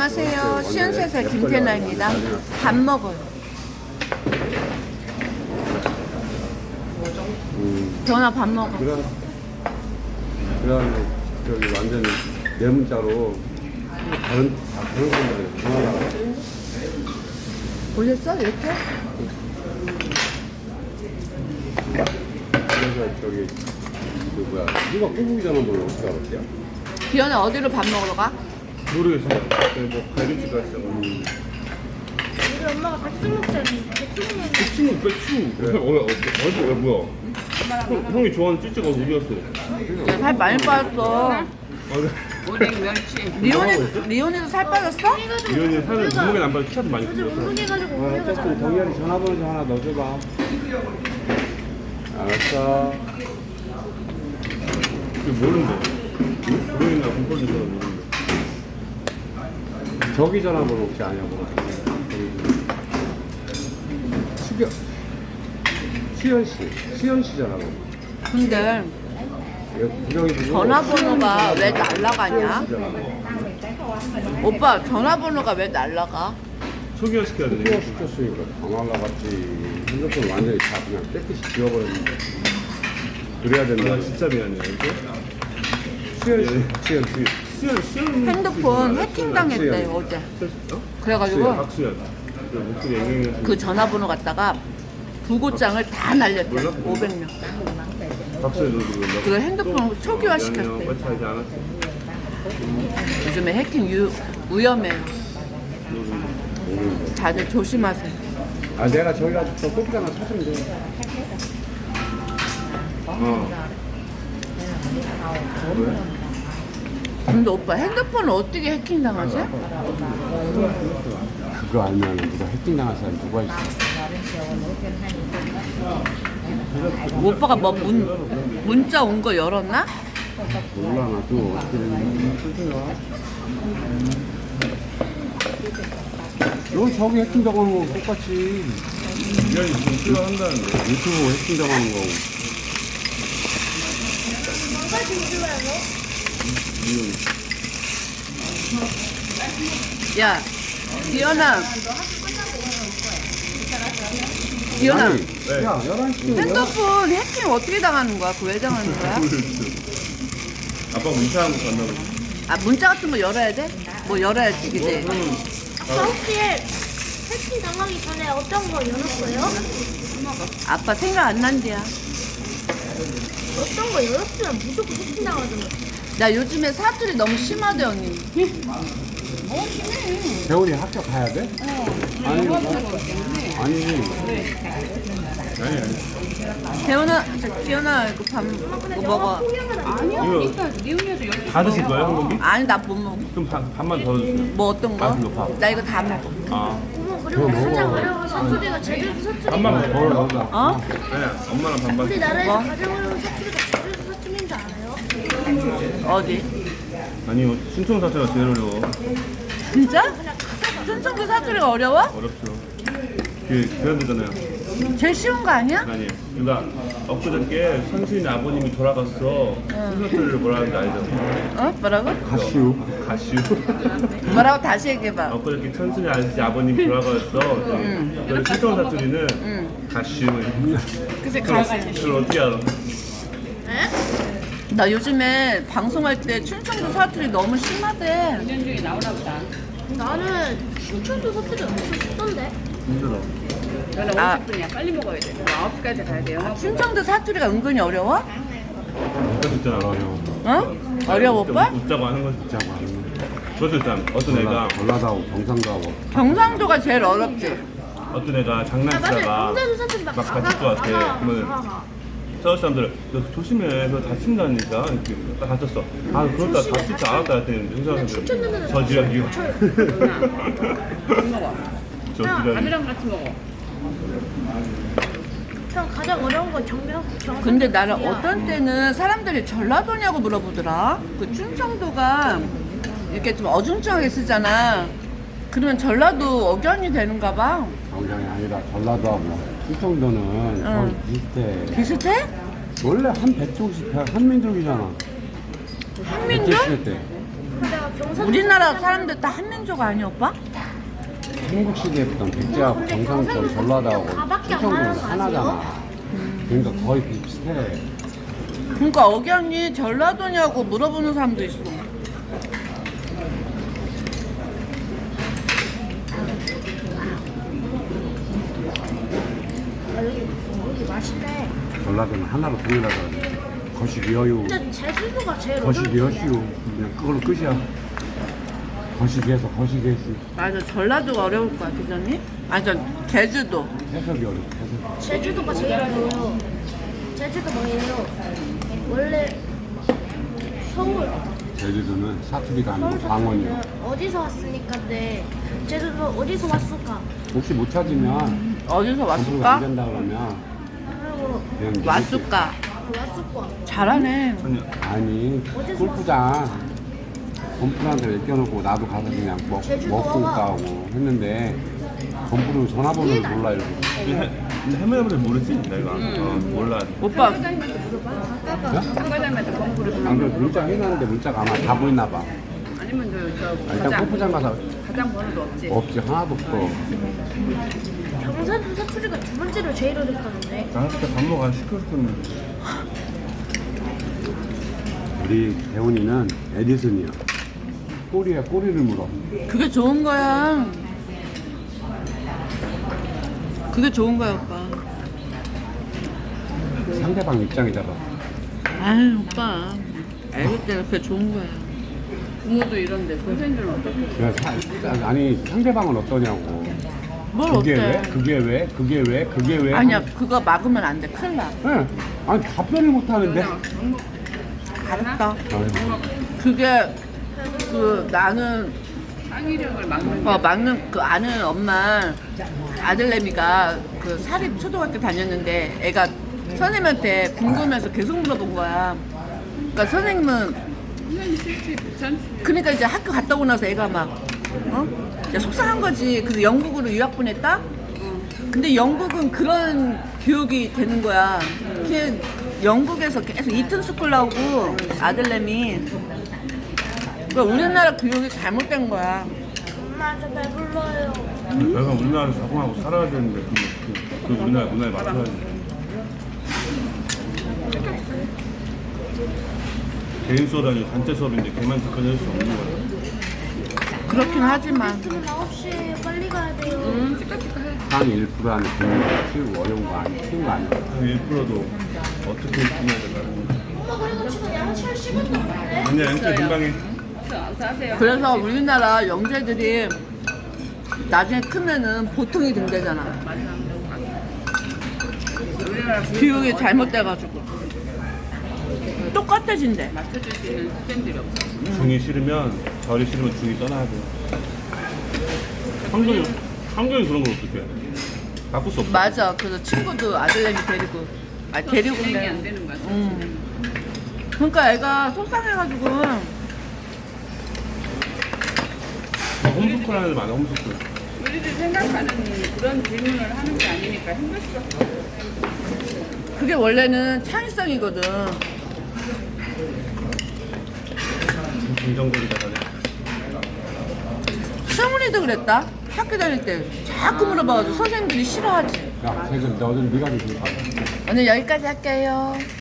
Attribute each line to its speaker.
Speaker 1: 안녕하세요. 시연세사 김태나입니다. 밥 먹어요. 전화 밥 먹어.
Speaker 2: 그다음에 저기 완전히 네 문자로 다른 분들이 전화가
Speaker 1: 보셨어? 이렇게?
Speaker 2: 그래서 저기 그 뭐야 누가 꼬부기 전화번호 어떻게 알았대요?
Speaker 1: 기현아 어디로 밥 먹으러 가?
Speaker 3: 모르겠어요. 뭐 갈비집 갔어요.
Speaker 4: 우리 엄마가 백숙 먹자니 백숙
Speaker 3: 백수. 그래. 어디 뭐야? 형이 좋아하는 찌찌가 어디였어?
Speaker 1: 살 많이 빠졌어.
Speaker 3: 나가고
Speaker 1: 리온이도 살 빠졌어?
Speaker 3: 이현이 살을 몸무게 안 빠져 키도 많이
Speaker 4: 어제
Speaker 3: 컸어.
Speaker 4: 운동해가지고
Speaker 2: 어쨌든 동현이 전화번호 좀 하나 넣어줘봐. 알았어.
Speaker 3: 그 모르는데. 모르겠나 공포지 전화 모르는데.
Speaker 2: 저기 전화번호 혹시 아냐고. 수연 씨 전화번호.
Speaker 1: 근데 전화번호가 왜 날라가냐? 오빠 전화번호가 왜 날라가?
Speaker 3: 초기화 시켜야
Speaker 2: 수연
Speaker 3: 되네.
Speaker 2: 시켰으니까 다 날라갔지. 핸드폰 완전히 다 그냥 깨끗이 지워버렸는데. 그래야 된다.
Speaker 3: 나 진짜 미안해. 이게 수연.
Speaker 1: 핸드폰 해킹당했대 어제. 그래가지고
Speaker 3: 박수연. 그 목소리 앵앵해서.
Speaker 1: 그 전화번호 갖다가 부고장을 다 날렸대. 500명.
Speaker 3: 박수연 너 그거.
Speaker 1: 그 핸드폰 초기화 시켰대.
Speaker 3: 하지 않았어.
Speaker 1: 요즘에 해킹 위험해요. 다들 조심하세요.
Speaker 2: 아 내가 저기 가서 저 꼬부기 하나 사주면 돼.
Speaker 3: 왜?
Speaker 1: 근데 오빠 핸드폰을 어떻게 해킹당하지?
Speaker 2: 그거 알면 누가 해킹당한 사람 누가 있어?
Speaker 1: 오빠가 뭐 문자 온 거 열었나?
Speaker 2: 몰라 나도 어떻게 되는지. 너 저기 해킹당하는 거 똑같이
Speaker 3: 이현이 지금 싫어한다는데.
Speaker 2: 유튜브 해킹당하는 거.
Speaker 4: 뭐가 진주예요?
Speaker 1: 야, 기현아. 기현아,
Speaker 2: 야 11시
Speaker 1: 핸드폰 해킹 어떻게 당하는 거야? 그 왜 당하는 거야?
Speaker 3: 아빠 문자한 거 간다고.
Speaker 1: 아, 문자 같은 거 열어야 돼? 뭐 열어야지, 그지?
Speaker 4: 아빠 혹시 해킹 당하기 전에 어떤 거 열었어요?
Speaker 1: 아빠 생각 안 난대야.
Speaker 4: 어떤 거 열었으면 무조건 해킹 당하잖아.
Speaker 1: 나 요즘에 사투리 너무 심하대, 언니.
Speaker 2: 재훈이 학교 가야 돼? 아니 아니
Speaker 1: 재훈아, 기현아, 이거 이거 먹어.
Speaker 3: 이거 다 드실 거예요, 한 공기?
Speaker 1: 아니, 나 못 먹어.
Speaker 3: 그럼 반만 더 주세요.
Speaker 1: 뭐 어떤 거?
Speaker 3: 아, 그거 밥.
Speaker 1: 나 이거 다 먹어.
Speaker 3: 아,
Speaker 4: 어머 그리고 가장 어려운 사투리가 제주도 사투리.
Speaker 3: 반만 더 넣어.
Speaker 1: 어?
Speaker 3: 네, 엄마랑 반반.
Speaker 4: 우리나라에서
Speaker 1: 뭐?
Speaker 4: 가장 어려운 사투리가 제주도 사투리인 줄 알아요?
Speaker 1: 어디?
Speaker 3: 아니요, 신청 사태가 제일 어려워.
Speaker 1: 진짜? 순천도 사투리가 어려워?
Speaker 3: 어렵죠. 그 그런데잖아요.
Speaker 1: 제일 쉬운 거 아니야?
Speaker 3: 아니에요. 그러니까 엊그저께 선수인 아버님이 돌아갔어. 순서를 뭐라 하는지 알죠?
Speaker 1: 어? 뭐라고?
Speaker 2: 가시우
Speaker 3: 가시우.
Speaker 1: 뭐라고 다시 얘기해봐.
Speaker 3: 엊그저께 천순이 아버님이 돌아갔어. 그래서 신청 사투리는 가시우.
Speaker 1: 그치, 가시.
Speaker 3: 그걸 어떻게 알아?
Speaker 1: 나 요즘에 방송할 때 충청도 사투리 너무 심하대.
Speaker 4: 나는 신촌도 사투리 엄청 쉽던데.
Speaker 3: 힘들어.
Speaker 1: 아,
Speaker 5: 50분이야. 빨리 먹어야 돼. 9시까지 가야 돼요.
Speaker 1: 충청도 사투리가 은근히 어려워?
Speaker 3: 그거 있잖아.
Speaker 1: 어? 어려워, 오빠?
Speaker 3: 웃자고 하는 거
Speaker 2: 진짜 많은
Speaker 3: 그것도 있잖아. 어떤 애가
Speaker 2: 전라도하고 경상도하고
Speaker 1: 경상도가 제일 어렵지.
Speaker 3: 어떤 애가
Speaker 4: 맞아요.
Speaker 3: 장난치다가
Speaker 4: 경상도 사투리 막
Speaker 3: 막 다칠 것 같아. 그러면 서울 사람들 너 조심해. 너 다친다니까. 이렇게 딱 다쳤어. 아 그렇다 다칠 줄 알았다 했더니 회사 사람들 저 지랄이요. 저 지랄이.
Speaker 5: 밥이랑 같이 먹어.
Speaker 4: 형 가장 어려운 건 경상.
Speaker 1: 근데 나는 어떤 때는 사람들이 전라도냐고 물어보더라. 그 충청도가 이렇게 좀 어중쩡하게 쓰잖아. 그러면 전라도 억양이 되는가 봐.
Speaker 2: 경상이 아니라 전라도하고 충청도는 거의 비슷해.
Speaker 1: 비슷해?
Speaker 2: 원래 한 백족씩 한민족이잖아.
Speaker 1: 한민족?
Speaker 2: 백제 시대 때.
Speaker 4: 내가 경상
Speaker 1: 우리나라 사람들 다 한민족 아니야 오빠?
Speaker 2: 한국 시대부터 백제하고
Speaker 4: 근데
Speaker 2: 경상도
Speaker 4: 경상도
Speaker 2: 전라도하고
Speaker 4: 가밖에 안
Speaker 2: 충청도는
Speaker 4: 나는 거
Speaker 2: 하나잖아. 그러니까 거의 비슷해.
Speaker 1: 그러니까 억양이 전라도냐고 물어보는 사람도 있어.
Speaker 4: 여기 맛있네.
Speaker 2: 전라도는 하나로 통일하자. 거시기어요.
Speaker 4: 근데 제주도가 제일
Speaker 2: 거시기어시오. 그냥 그걸로 끝이야. 거시기에서 거시기했지.
Speaker 1: 맞아, 전라도가 어려울 거야, 그전이? 아니, 제주도.
Speaker 2: 해석이 어려워. 해석.
Speaker 4: 제주도가 제일 어려워요. 제주도 뭐예요? 원래 서울
Speaker 2: 제주도는 사투리가 아니고 방언이야.
Speaker 4: 어디서 왔으니까 네 제주도 어디서 왔을까?
Speaker 2: 혹시 못 찾으면
Speaker 1: 어디서
Speaker 2: 검수가 안
Speaker 1: 왔을까?
Speaker 2: 된다 그러면
Speaker 4: 그리고
Speaker 2: 그냥
Speaker 1: 왔을까?
Speaker 4: 왔을 거야.
Speaker 1: 잘하네.
Speaker 3: 아니,
Speaker 2: 아니 골프장 건프한테 맡겨놓고 나도 가서 그냥
Speaker 4: 제주도
Speaker 2: 먹고
Speaker 4: 와봐.
Speaker 2: 가고 했는데 건프는 전화번호를 몰라 이러고.
Speaker 3: 근데 해매해도 모르지? 내가 몰라.
Speaker 1: 오빠,
Speaker 5: 장과장한테 검구를
Speaker 2: 안 그래 문자 해놨는데 문자가 아마 다 보였나 봐.
Speaker 5: 아니면 저
Speaker 2: 일단 골프장 가서
Speaker 5: 가장 번호도 없지.
Speaker 2: 없지 하나도 없어.
Speaker 4: 경상도 사투리가 두 번째로 제일 어렵다는데.
Speaker 3: 나한테 밥 먹어 시끄럽겠는데.
Speaker 2: 우리 대훈이는 에디슨이야. 꼬리에 꼬리를 물어.
Speaker 1: 그게 좋은 거야. 그게 좋은 거야, 오빠.
Speaker 2: 상대방 입장이잖아.
Speaker 1: 아유, 오빠. 애기 때는 그게 좋은 거야.
Speaker 5: 부모도 이런데 선생님들은 어떻게?
Speaker 2: 그래서 아니 상대방은 어떠냐고.
Speaker 1: 뭘
Speaker 2: 그게
Speaker 1: 어때?
Speaker 2: 왜? 그게 왜? 그게 왜? 그게 왜?
Speaker 1: 아니야, 그거 막으면 안 돼. 큰일 나.
Speaker 2: 네. 아니 답변을 못 하는데.
Speaker 1: 알았다.
Speaker 2: 아유,
Speaker 1: 그게, 나는,
Speaker 5: 창의력을 막는 게
Speaker 1: 막는 그 아는 엄마 아들내미가 그 사립 초등학교 다녔는데 애가 선생님한테 궁금해서 계속 물어본 거야. 그러니까 선생님은
Speaker 5: 선생님 실지 전
Speaker 1: 그러니까 이제 학교 갔다 오고 나서 애가 막 이제 속상한 거지. 그래서 영국으로 유학 보냈다. 근데 영국은 그런 교육이 되는 거야. 걔 영국에서 계속 이튼 스쿨 나오고 아들내미. 그러니까 우리나라 교육이 잘못된 거야.
Speaker 4: 엄마 저 배불러요.
Speaker 3: 내가 우리나라에 적응하고 살아야 되는데 그 우리나라 문화에 맞춰야지. 개인 수업이 아니고 단체 수업인데 걔만 접근할 수 없는 거야.
Speaker 1: 그렇긴 하지만
Speaker 4: 지금 9시에 빨리 가야 돼요.
Speaker 2: 한 1% 안에 듣는 게 쉬고 어려운 거 아니야. 쉬운 거 아니야.
Speaker 3: 한 1%도 어떻게 해야 될까?
Speaker 4: 엄마 그리고 지금 양치할 시간도 없는데.
Speaker 3: 아니야, 양쪽 금방 해.
Speaker 5: 어서 하세요.
Speaker 1: 그래서 우리나라 영재들이 나중에 크면은 보통이 된대잖아.
Speaker 5: 우리나라
Speaker 1: 교육이 잘못돼가지고 똑같아진대.
Speaker 5: 맞춰줄 수 있는 쌤들이 없어.
Speaker 3: 중이 싫으면 절이 싫으면 중이 떠나야 돼. 환경이 그런 걸 어떻게 해? 바꿀 수 없어.
Speaker 1: 맞아. 그래서 친구도 아들내미 데리고 데리고
Speaker 5: 진행이 안
Speaker 1: 오면
Speaker 5: 되는 거야.
Speaker 1: 그러니까 애가 속상해가지고
Speaker 3: 홈스쿨 하는 애 많아, 홈스쿨.
Speaker 5: 우리들 생각하는 그런 질문을 하는 게 아니니까 힘들 수밖에 없어.
Speaker 1: 그게 원래는 창의성이거든.
Speaker 3: 긍정적이다, 다들.
Speaker 1: 승훈이도 그랬다. 학교 다닐 때 자꾸 물어봐가지고 선생님들이 싫어하지.
Speaker 2: 야, 지금 너는 네가 좀 봐.
Speaker 1: 오늘 여기까지 할게요.